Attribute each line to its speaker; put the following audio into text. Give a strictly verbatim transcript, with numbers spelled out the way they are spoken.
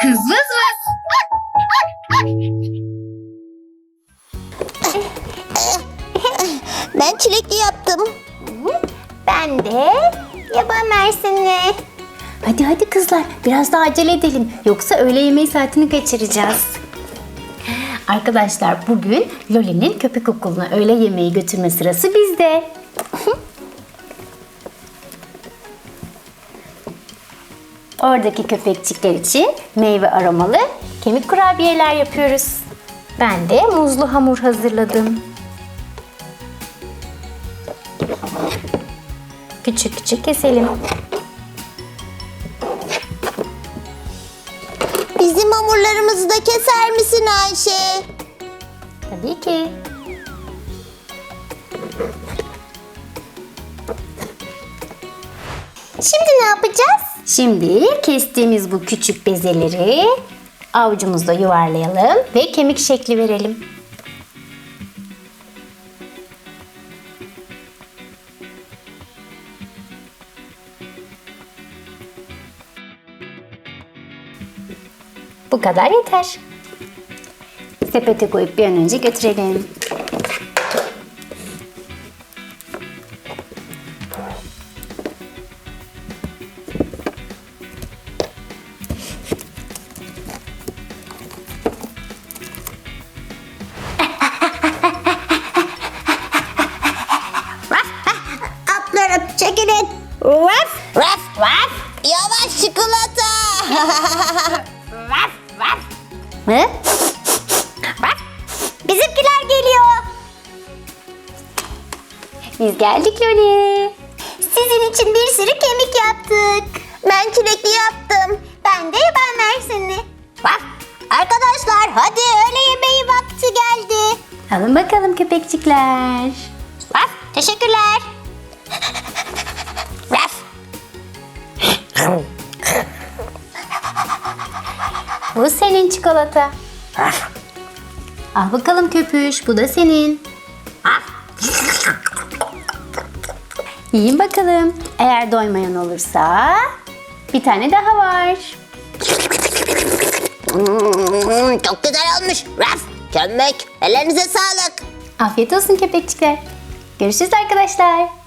Speaker 1: Kız vız vız.
Speaker 2: Ben çilekli yaptım.
Speaker 3: Ben de yaban mersinli.
Speaker 1: Hadi hadi kızlar, biraz daha acele edelim. Yoksa öğle yemeği saatini kaçıracağız. Arkadaşlar, bugün Loli'nin köpek okuluna öğle yemeği götürme sırası bizde. Oradaki köpekçikler için meyve aromalı kemik kurabiyeler yapıyoruz. Ben de muzlu hamur hazırladım. Küçük küçük keselim.
Speaker 2: Bizim hamurlarımızı da keser misin Ayşe?
Speaker 1: Tabii ki.
Speaker 3: Şimdi ne yapacağız?
Speaker 1: Şimdi kestiğimiz bu küçük bezeleri avucumuzda yuvarlayalım ve kemik şekli verelim. Bu kadar yeter. Sepete koyup bir an önce götürelim.
Speaker 2: Atlarım çekilin. Raf raf raf. Yavaş çikolata.
Speaker 3: Vaf vaf.
Speaker 1: Hı?
Speaker 3: Vaf. Bizimkiler geliyor.
Speaker 1: Biz geldik Loli.
Speaker 3: Sizin için bir sürü kemik yaptık.
Speaker 2: Ben çilekli yaptım.
Speaker 3: Ben de yaban mersinli.
Speaker 2: Raf. Arkadaşlar hadi öğle yemeği vakti geldi.
Speaker 1: Alın bakalım köpekçikler.
Speaker 3: Vaf. Teşekkürler.
Speaker 2: Raf.
Speaker 1: Bu senin çikolata. Al bakalım köpüş, bu da senin. Yiyin bakalım. Eğer doymayan olursa bir tane daha var.
Speaker 2: Hmm, çok güzel olmuş. Raf. Kömek. Ellerinize sağlık.
Speaker 1: Afiyet olsun köpekçikler. Görüşürüz arkadaşlar.